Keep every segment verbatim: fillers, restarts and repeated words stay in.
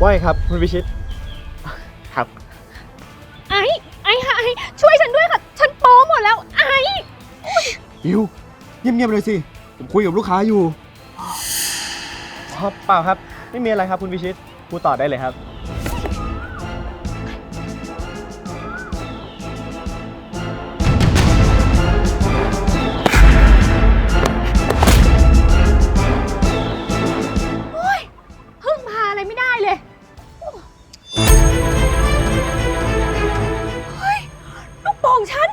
ว่าไงครับคุณวิชิตครับไอ้ไอ้ค่ะไอ้ช่วยฉันด้วยค่ะฉันโป๊หมดแล้วไอ้บิวเงียบๆเลยสิผมคุยกับลูกค้าอยู่อ๋อเปล่าครับไม่มีอะไรครับคุณวิชิตพูดต่อได้เลยครับพึ่งพาอะไรไม่ได้เลยเฮ้ยลูกโป่งฉัน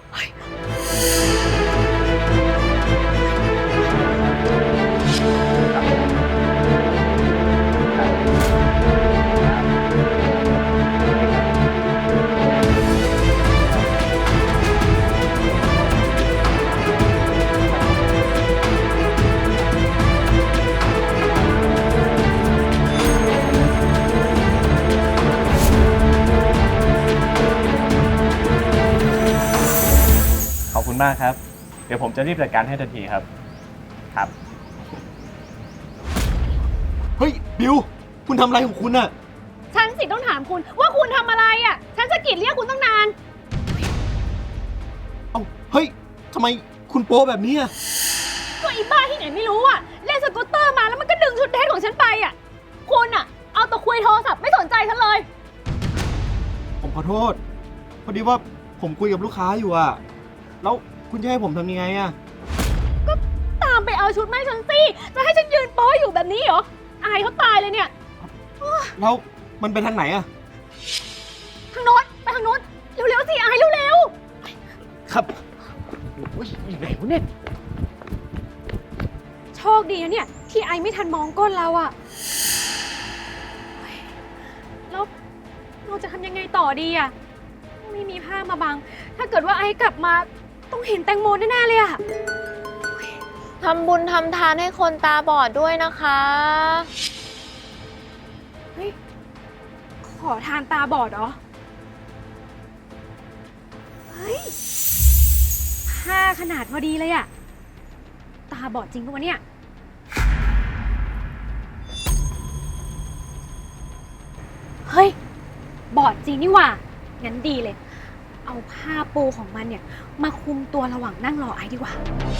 ขอบคุณมากครับเดี๋ยวผมจะรีบจัดการให้ทันทีครับครับเฮ้ยบิวคุณทำอะไรของคุณอะฉันสิต้องถามคุณว่าคุณทำอะไรอ่ะฉันสะกิดเรียกคุณตั้งนานเอ้าเฮ้ยทำไมคุณโป๊แบบนี้อะก็อีบ้าที่ไหนไม่รู้อ่ะเล่นสกูตเตอร์มาแล้วมันก็ดึงชุดเดทของฉันไปอ่ะคุณอ่ะเอาแต่คุยโทรศัพท์ไม่สนใจฉันเลยผมขอโทษพอดีว่าผมคุยกับลูกค้าอยู่อะแล้วคุณจะให้ผมทำยังไงอะก็ตามไปเอาชุดมาให้ฉันสิจะให้ฉันยืนโป๊อยู่แบบนี้เหรออายเขาตายเลยเนี่ยแล้วมันไปทางไหนอะทางโน้นไปทางโน้นเร็วๆสิอายเร็วครับโอ้ยอยู่ไหนวะเนี่ยๆโชคดีนะเนี่ยที่ไอไม่ทันมองก้นเราอะแล้วเราจะทำยังไงต่อดีอะไม่มีผ้ามาบัง ถ้าเกิดว่าไอกลับมาต้องเห็นแตงโมแน่ๆเลยอะทำบุญทำทานให้คนตาบอดด้วยนะคะเฮ้ยขอทานตาบอดเหรอเฮ้ยผ้าขนาดพอดีเลยอะตาบอดจริงปะวะเนี่ยเฮ้ยบอดจริงนี่หว่างั้นดีเลย เอาผ้าปูของมันเนี่ยมาคลุมตัวระหว่างนั่งรอไอดีกว่า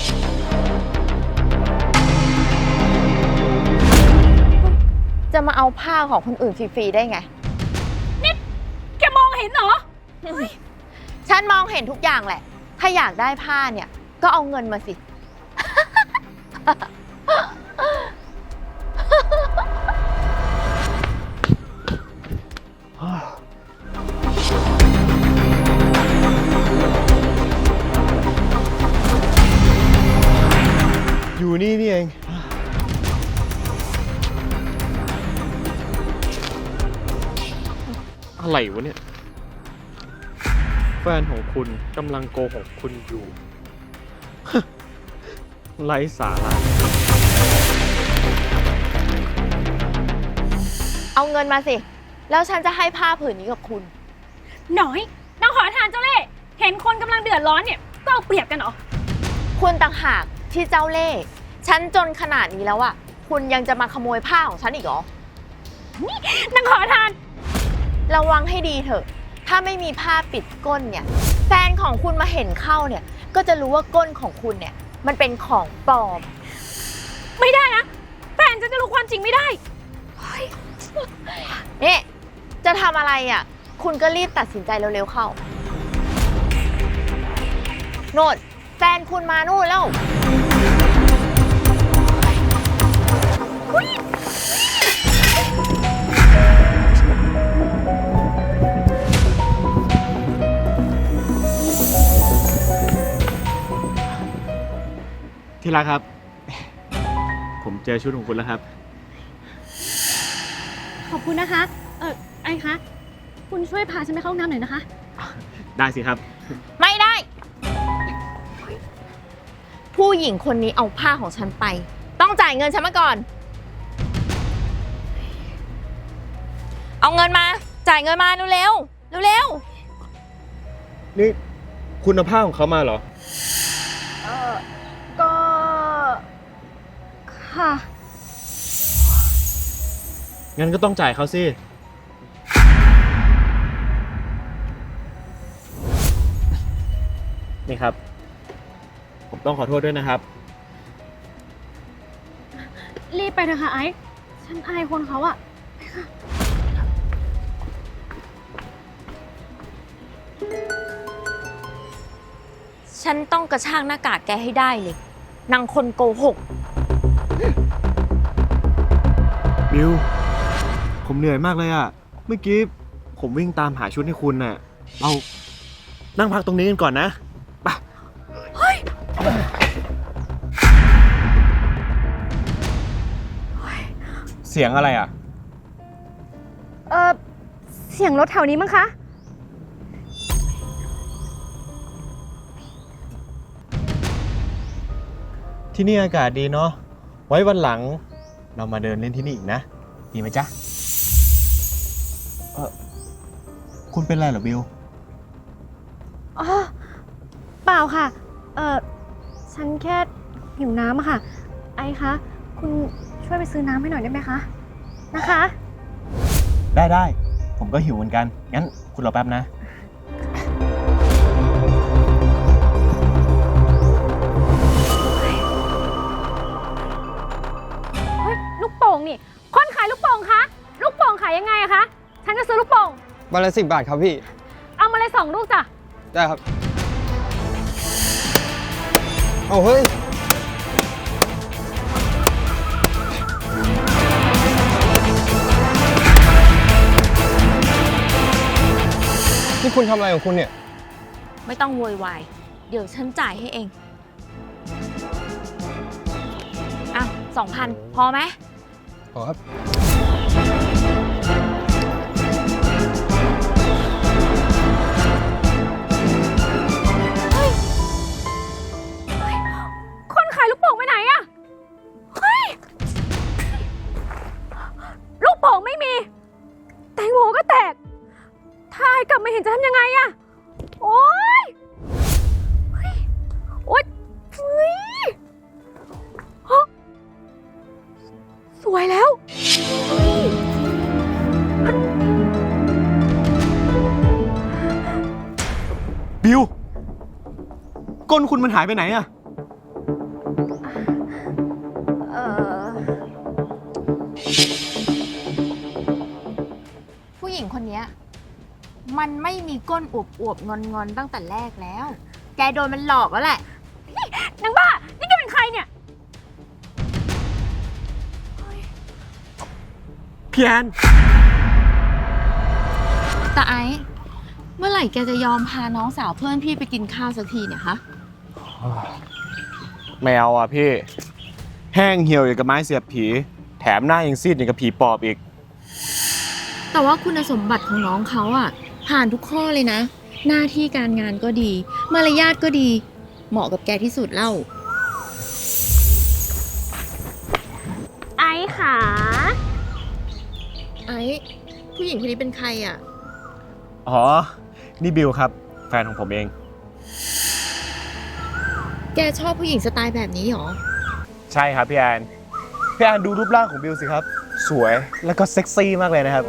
จะมาเอาผ้าของคนอื่นฟรีๆได้ไงนี่แกมองเห็นเหรอฉันมองเห็นทุกอย่างแหละ ถ้าอยากได้ผ้าเนี่ย ก็เอาเงินมาสิอยู่นี่นี่เองอะไรวะเนี่ยแฟนของคุณกำลังโกหกคุณอยู่ ไร้สาระเอาเงินมาสิ แล้วฉันจะให้ผ้าผืนนี้กับคุณหน่อยนางขอทานเจ้าเล่ห์เห็นคนกำลังเดือดร้อนเนี่ยก็เอาเปรียบกันเหรอคุณต่างหากที่เจ้าเล่ห์ฉันจนขนาดนี้แล้วอะคุณยังจะมาขโมยผ้าของฉันอีกเหรอนางขอทานระวังให้ดีเถอะ ถ้าไม่มีผ้าปิดก้นเนี่ย แฟนของคุณมาเห็นเข้าเนี่ย ก็จะรู้ว่าก้นของคุณเนี่ย มันเป็นของปลอมไม่ได้นะแฟนจะจะรู้ความจริงไม่ได้เฮ้ยนี่จะทำอะไรอ่ะ คุณก็รีบตัดสินใจเร็วๆเข้า โนดแฟนคุณมานู่นแล้วที่รักครับ ผมเจอชุดของคุณแล้วครับขอบคุณนะคะ เออไอ้คะคุณช่วยพาฉันไปเข้าห้องน้ำหน่อยนะคะได้สิครับไม่ได้ ผู้หญิงคนนี้เอาผ้าของฉันไป ต้องจ่ายเงินฉันมาก่อน เอาเงินมา จ่ายเงินมาเร็วๆเร็วนี่คุณเอาผ้าของเขามาเหรอเออก็ ค่ะงั้นก็ต้องจ่ายเขาสิ นี่ครับ ผมต้องขอโทษด้วยนะครับรีบไปเถอะค่ะไอซ์ฉันอายคนเขาอะฉันต้องกระชากหน้ากากแกให้ได้เลยนางคนโกหกบิว ผมเหนื่อยมากเลยอะเมื่อกี้ผมวิ่งตามหาชุดให้คุณน่ะ เรานั่งพักตรงนี้กันก่อนนะไปเสียงอะไรอ่ะเออเสียงรถแถวนี้มั้งคะที่นี่อากาศดีเนาะ ไว้วันหลังเรามาเดินเล่นที่นี่อีกนะ ดีไหมจ๊ะ เออคุณเป็นไรเหรอบิวอ๋อ เปล่าค่ะ เออฉันแค่หิวน้ำอะค่ะ ไอซ์คะ คุณช่วยไปซื้อน้ำให้หน่อยได้ไหมคะ นะคะได้ได้ ผมก็หิวเหมือนกัน งั้นคุณรอแป๊บนะเฮ้ย ลูกโป่งนี่ คนขายลูกโป่งคะ ลูกโป่งขายยังไงอะคะ ฉันจะซื้อลูกโป่งใบละสิบบาทครับพี่เอามาเลยสองลูกจ้ะได้ครับ เอาเฮ้ย นี่คุณทำอะไรของคุณเนี่ยไม่ต้องโวยวายเดี๋ยวฉันจ่ายให้เองอ่ะสองพันพอไหมขอครับคนขายลูกโป่งไปไหนอะเฮ้ย ลูกโป่งไม่มี แตงโมก็แตก ถ้าไอ้กลับมาเห็นจะทำยังไงอะโอ๊ยเฮ้ยโอ๊ยเฮ้ยฮะสวยแล้วเฮ้ยบิว ก้นคุณมันหายไปไหนอะเอ่อผู้หญิงคนเนี้ยมันไม่มีก้นอวบอวบงอนงอนๆตั้งแต่แรกแล้ว แกโดนมันหลอกแล้วแหละนางบ้า นี่แกเป็นใครเนี่ยพี่แอนแต่ไอ้เมื่อไหร่แกจะยอมพาน้องสาวเพื่อนพี่ไปกินข้าวสักทีเนี่ยคะไม่เอาอ่ะพี่ แห้งเหี่ยวอย่างกับไม้เสียบผี แถมหน้ายังซีดอย่างกับผีปอบอีกแต่ว่าคุณสมบัติของน้องเขาอะผ่านทุกข้อเลยนะ หน้าที่การงานก็ดี มารยาทก็ดี เหมาะกับแกที่สุดเล่าไอ้ขาไอ้ผู้หญิงคนนี้เป็นใครอะอ๋อ นี่บิวครับ แฟนของผมเองแกชอบผู้หญิงสไตล์แบบนี้หรอใช่ครับพี่แอน พี่แอนดูรูปร่างของบิวสิครับ สวยแล้วก็เซ็กซี่มากเลยนะครับ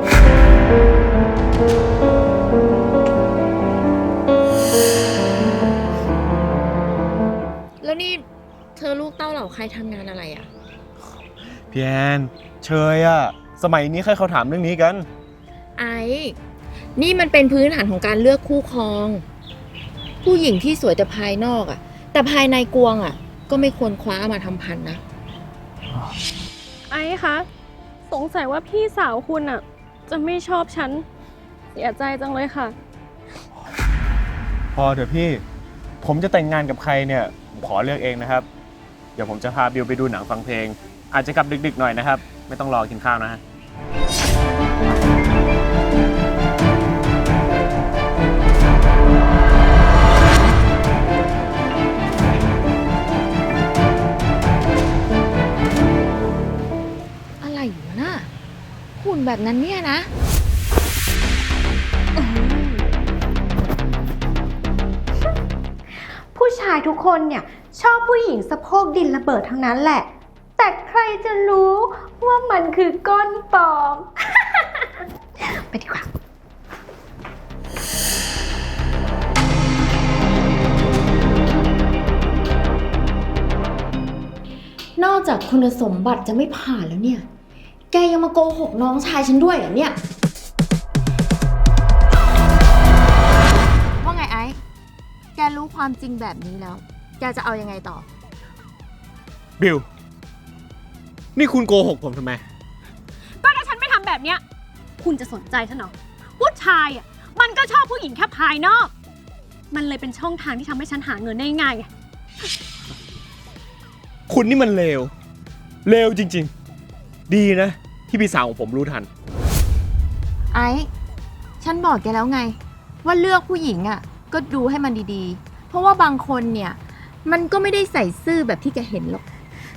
แล้วนี่เธอลูกเต้าเหล่าใครทำงานอะไรอะพี่แอนเชยอะสมัยนี้ใครเขาถามเรื่องนี้กันไอ้ นี่มันเป็นพื้นฐานของการเลือกคู่ครอง ผู้หญิงที่สวยแต่ภายนอกอะแต่ภายในกวงอะก็ไม่ควรคว้ามาทำพันนะไอ้คะ สงสัยว่าพี่สาวคุณอะจะไม่ชอบฉัน เสียใจจังเลยค่ะพอเถอะพี่ ผมจะแต่งงานกับใครเนี่ยผมขอเลือกเองนะครับ เดี๋ยวผมจะพาบิวไปดูหนังฟังเพลง อาจจะกลับดึกๆหน่อยนะครับ ไม่ต้องรอกินข้าวนะฮะอะไรอยู่น่ะหุ่นแบบนั้นเนี่ยนะผู้ชายทุกคนเนี่ยชอบผู้หญิงสะโพกดินระเบิดทั้งนั้นแหละแต่ใครจะรู้ว่ามันคือก้นปลอม ไปดีกว่านอกจากคุณสมบัติจะไม่ผ่านแล้วเนี่ย แกยังมาโกหกน้องชายฉันด้วยเหรอเนี่ย ว่าไงไอ้ แกรู้ความจริงแบบนี้แล้ว แกจะเอายังไงต่อบิล นี่คุณโกหกผมทำไมก็ถ้าฉันไม่ทำแบบเนี้ยคุณจะสนใจฉันเหรอผู้ชายอ่ะมันก็ชอบผู้หญิงแค่ภายนอก มันเลยเป็นช่องทางที่ทำให้ฉันหาเงินได้ง่ายไงคุณนี่มันเลว เลวจริงๆ ดีนะ ที่พี่สาวของผมรู้ทันไอ้ ฉันบอกแกแล้วไง ว่าเลือกผู้หญิงอ่ะ ก็ดูให้มันดีๆ เพราะว่าบางคนเนี่ย มันก็ไม่ได้ใส่ซื่อแบบที่แกเห็นหรอก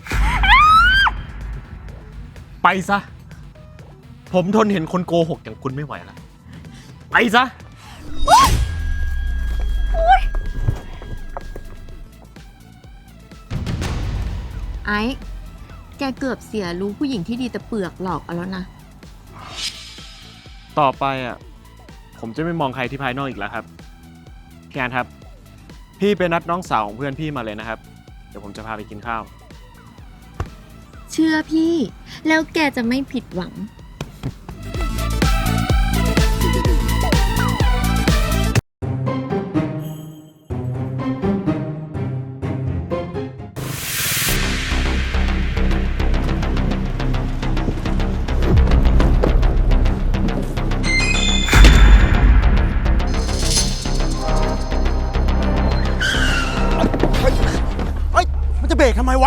ไปซะ ผมทนเห็นคนโกหกอย่างคุณไม่ไหวแล้ว ไปซะไอ้ แกเกือบเสียรู้ผู้หญิงที่ดีแต่เปลือกหลอกเอาแล้วนะต่อไปอ่ะ ผมจะไม่มองใครที่ภายนอกอีกแล้วครับพี่อันครับ พี่ไปนัดน้องสาวของเพื่อนพี่มาเลยนะครับ เดี๋ยวผมจะพาไปกินข้าวเชื่อพี่ แล้วแกจะไม่ผิดหวังเฮ้ย มันจะเบรกทำไมวะ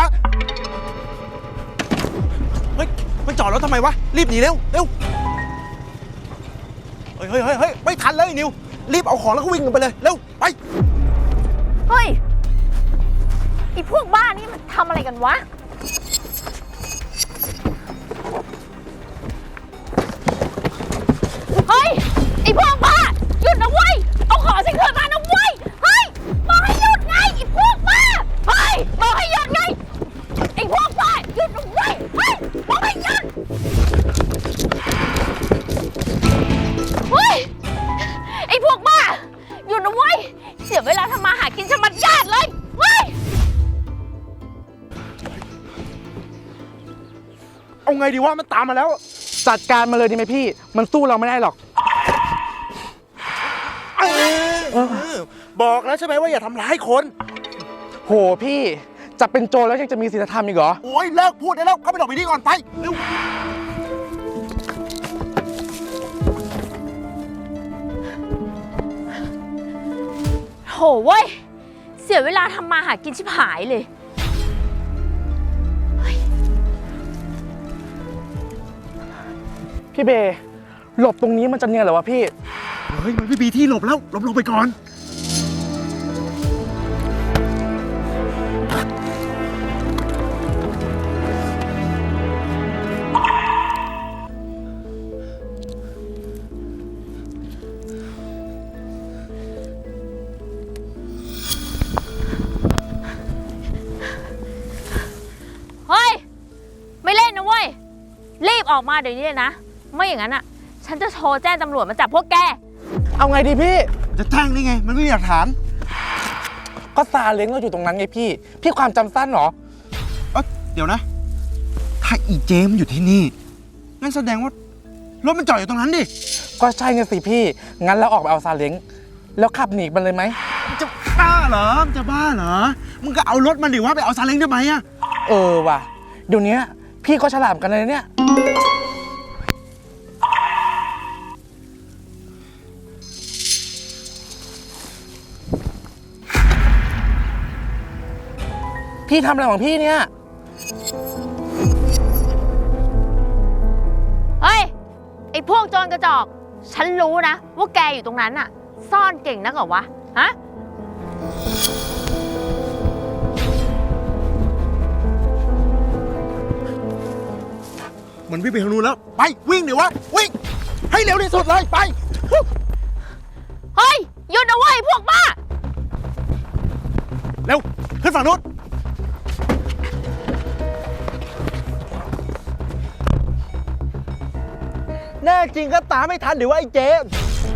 เฮ้ย มันจอดแล้วทำไมวะ รีบหนีเร็ว เร็ว เฮ้ยเฮ้ยเฮ้ยเฮ้ยไม่ทันเลยนิว รีบเอาของแล้วก็วิ่งกันไปเลย เร็ว ไปเฮ้ย ไอพวกบ้านี่มันทำอะไรกันวะ เฮ้ย ไอพวกบ้า หยุดนะเว้ย เอาของฉันคืนมานะเว้ย เฮ้ย บอกให้หยุดไงไอพวกบ้า เฮ้ย บอกให้หยุดไง ไอพวกบ้า หยุดนะเว้ย เฮ้ย บอกให้หยุด เฮ้ย ไอพวกบ้า หยุดนะเว้ย เสียเวลาทำมาหากินชะมัดญาติเลย เฮ้ยเอาไงดีวะ มันตามมาแล้ว จัดการมาเลยดีไหมพี่ มันสู้เราไม่ได้หรอก บอกแล้วใช่ไหมว่าอย่าทำร้ายคน โหพี่จะเป็นโจรแล้วยังจะมีศีลธรรมอีกเหรอ โอ้ยเลิกพูดได้แล้ว เข้าไปหลบไปนี่ก่อนไปเร็วโหเว้ย เสียเวลาทำมาหากินชิบหายเลยพี่เบย์หลบตรงนี้มันจะเนียนเหรอวะพี่ เฮ้ย มันไม่มีที่หลบแล้ว หลบลงไปก่อนเฮ้ย ไม่เล่นนะเว้ย รีบออกมาเดี๋ยวนี้เลยนะ ไม่อย่างนั้นอ่ะ ฉันจะโทรแจ้งตำรวจมาจับพวกแกเอาไงดีพี่ จะแจ้งได้ไง มันไม่มีหลักฐาน ก็ซาเล้งเราอยู่ตรงนั้นไงพี่ พี่ความจำสั้นเหรอ เอ้ยเดี๋ยวนะ ถ้าอีเจมอยู่ที่นี่ งั้นแสดงว่ารถมันจอดอยู่ตรงนั้นดิ ก็ใช่ไงสิพี่ งั้นเราออกไปเอาซาเล้งแล้วขับหนีมันเลยไหม จะบ้าเหรอมันจะบ้าเหรอ มึงก็เอารถมันดิว่าไปเอาซาเล้งทำไมอะเออว่ะ เดี๋ยวนี้พี่ก็ฉลาดกันเลยเนี่ย พี่ทำอะไรของพี่เนี่ยเฮ้ย ไอ้พวกโจรกระจอก ฉันรู้นะ ว่าแกอยู่ตรงนั้นน่ะ ซ่อนเก่งนักเหรอวะ ฮะมันวิ่งไปทางนู้นแล้ว ไปวิ่งเดี๋ยววะ วิ่ง ให้เร็วที่สุดเลย ไปเฮ้ย หยุดนะเว้ยพวกบ้าเร็ว ขึ้นฝั่งนู้นแน่จริงก็ตามไม่ทันเดี๋ยวว่าไอ้เจมส์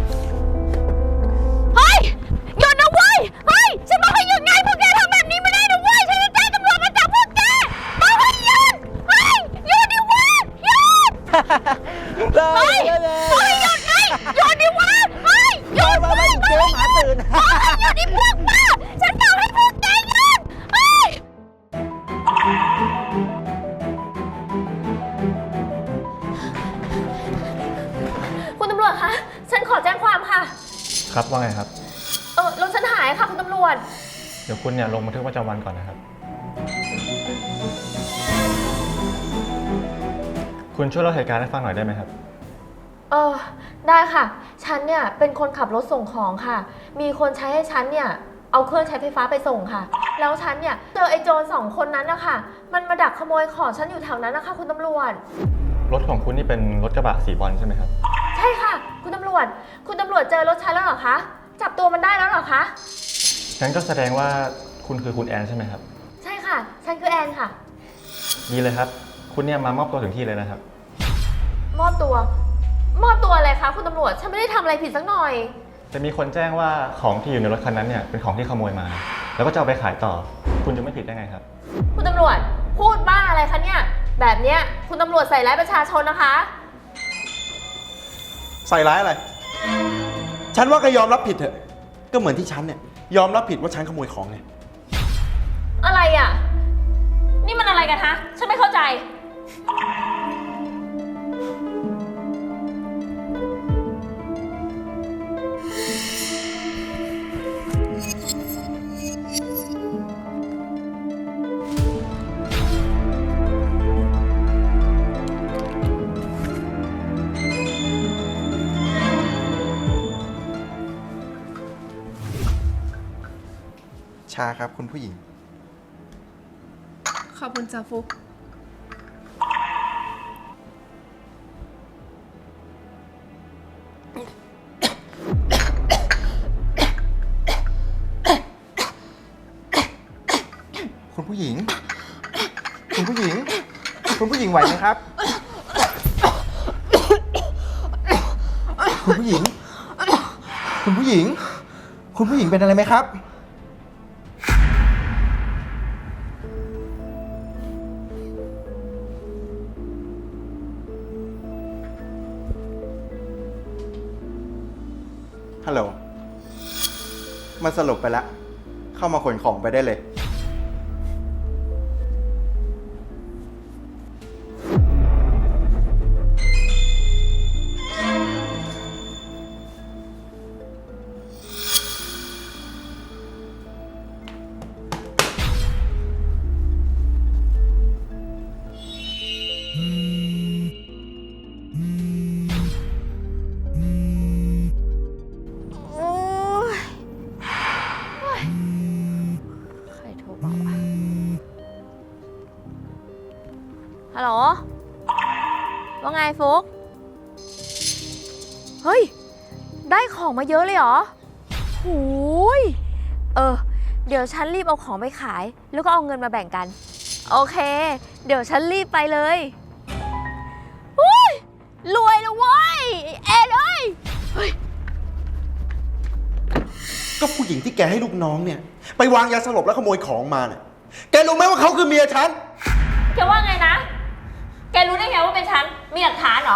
เฮ้ย หยุดนะเว้ย เฮ้ย ฉันบอกให้หยุดไงพวกแกทำแบบนี้ไม่ได้นะเว้ย ฉันจะแจ้งตำรวจมาจับพวกแกบอกให้หยุด เฮ้ย หยุดดิเว้ยหยุด เฮ้ยบอกให้หยุดไงหยุดดิเว้ยเฮ้ย หยุดเว้ยเจมส์หาตื่นบอกให้หยุดดิพวกบ้าฉันบอกให้พวกแกหยุด เฮ้ย คุณตำรวจคะ ฉันขอแจ้งความค่ะครับว่าไงครับเออรถฉันหายค่ะคุณตำรวจเดี๋ยวคุณเนี่ยลงบันทึกประจำวันก่อนนะครับ คุณช่วยเล่าเหตุการณ์ให้ฟังหน่อยได้ไหมครับเออได้ค่ะ ฉันเนี่ยเป็นคนขับรถส่งของค่ะ มีคนใช้ให้ฉันเนี่ยเอาเครื่องใช้ไฟฟ้าไปส่งค่ะ แล้วฉันเนี่ยเจอไอ้โจรสองคนนั้นนะคะมันมาดักขโมยของฉันอยู่แถวนั้นนะคะคุณตำรวจรถของคุณนี่เป็นรถกระบะสีบอลใช่ไหมครับใช่ค่ะ คุณตำรวจ คุณตำรวจเจอรถฉันแล้วเหรอคะ จับตัวมันได้แล้วเหรอคะงั้นก็แสดงว่าคุณคือคุณแอนใช่ไหมครับใช่ค่ะ ฉันคือแอนค่ะดีเลยครับ คุณเนี่ยมามอบตัวถึงที่เลยนะครับมอบตัว มอบตัวอะไรคะคุณตำรวจ ฉันไม่ได้ทำอะไรผิดสักหน่อยจะมีคนแจ้งว่าของที่อยู่ในรถคันนั้นเนี่ยเป็นของที่ขโมยมา แล้วก็จะเอาไปขายต่อ คุณจะไม่ผิดได้ไงครับคุณตำรวจพูดบ้าอะไรคะเนี่ย แบบเนี้ยคุณตำรวจใส่ร้ายประชาชนนะคะใส่ร้ายอะไร ฉันว่าก็ยอมรับผิดเถอะ ก็เหมือนที่ฉันเนี่ยยอมรับผิดว่าฉันขโมยของไงอะไรอ่ะ นี่มันอะไรกันฮะ ฉันไม่เข้าใจชาครับคุณผู้หญิงขอบคุณจ้าฟุกคุณผู้หญิง คุณผู้หญิง คุณผู้หญิงไหวไหมครับ คุณผู้หญิง คุณผู้หญิง คุณผู้หญิงเป็นอะไรไหมครับ ฮัลโหล มันสลบไปแล้ว เข้ามาขนของไปได้เลยโอ๊ยโอ๊ยใครโทรมาวะฮัลโหล ว่าไงฟุก เฮ้ย ได้ของมาเยอะเลยเหรอหูย เออ เดี๋ยวฉันรีบเอาของไปขาย แล้วก็เอาเงินมาแบ่งกัน โอเค เดี๋ยวฉันรีบไปเลยอุ้ย รวยแล้วเว้ยเอ็ดเอ้ยก็ผู้หญิงที่แกให้ลูกน้องเนี่ย ไปวางยาสลบแล้วขโมยของมาเนี่ย แกรู้ไหมว่าเขาคือเมียฉันแกว่าไงนะ แกรู้ได้ไงว่าเป็นฉัน มีหลักฐานเหรอ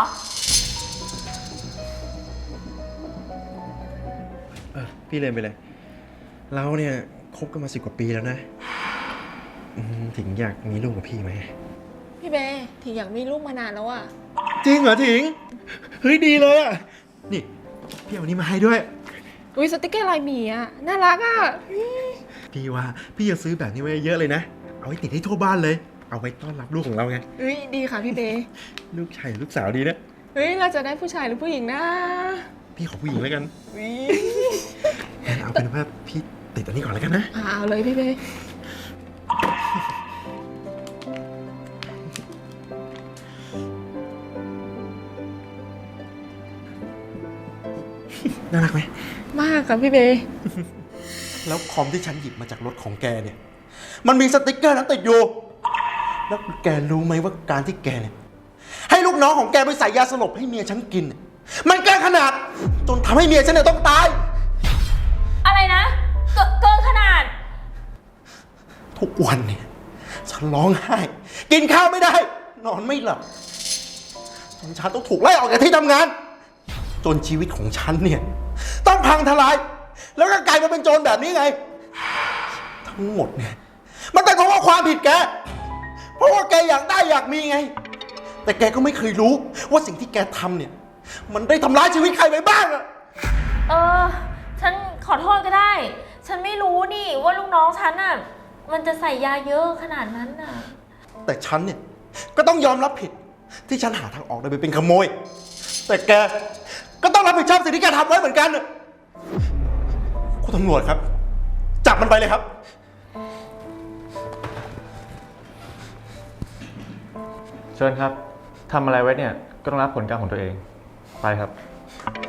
เออพี่เลนไปเลย เราเนี่ยคบกันมาสิบกว่าปีแล้วนะอืมถิงอยากมีลูกกับพี่ไหมพี่เบย์ถึงอยากมีลูกมานานแล้วอะจริงเหรอถิง เฮ้ยดีเลยอ่ะ นี่พี่เอาอันนี้มาให้ด้วยอุ้ยสติกเกอร์ลายหมีอะน่ารักอะพี่ว่าพี่จะซื้อแบบนี้ไว้เยอะเลยนะ เอาไว้ติดให้ทั่วบ้านเลย เอาไว้ต้อนรับลูกของเราไงอุ้ยดีค่ะพี่เบย์ลูกชายหรือลูกสาวดีนะเฮ้ยเราจะได้ผู้ชายหรือผู้หญิงนะพี่ขอผู้หญิงแล้วกันอุ้ยงั้นเอาเป็นว่าพี่ติดอันนี้ก่อนแล้วกันนะอ่าเอาเลยพี่เบย์น่ารักไหมมากค่ะพี่เบย์แล้วคอมที่ฉันหยิบมาจากรถของแกเนี่ย มันมีสติกเกอร์นั้นติดอยู่ แล้วแกรู้ไหมว่าการที่แกเนี่ยให้ลูกกน้องของแกไปใส่ยาสลบให้เมียฉันกิน มันเกินขนาดจนทำให้เมียฉันเนี่ยต้องตายอะไรนะ เกเกินขนาดทุกวันเนี่ยฉันร้องไห้ กินข้าวไม่ได้ นอนไม่หลับจนฉันต้องถูกไล่ออกจากที่ทำงาน จนชีวิตของฉันเนี่ยต้องพังทลาย แล้วก็กลายมาเป็นโจรแบบนี้ไง ทั้งหมดเนี่ยมันเป็นเพราะว่าความผิดแก เพราะว่าแกอยากได้อยากมีไง แต่แกก็ไม่เคยรู้ว่าสิ่งที่แกทำเนี่ย มันได้ทำร้ายชีวิตใครไปบ้างอะเออ ฉันขอโทษก็ได้ ฉันไม่รู้นี่ว่าลูกน้องฉันน่ะ มันจะใส่ยาเยอะขนาดนั้นน่ะแต่ฉันเนี่ยก็ต้องยอมรับผิดที่ฉันหาทางออกโดยไปเป็นขโมย แต่แกก็ต้องรับผิดชอบสิ่งที่แกทำไว้เหมือนกันน่ะคุณตำรวจครับ จับมันไปเลยครับเชิญครับ ทำอะไรไว้เนี่ย ก็ต้องรับผลกรรมของตัวเอง ไปครับ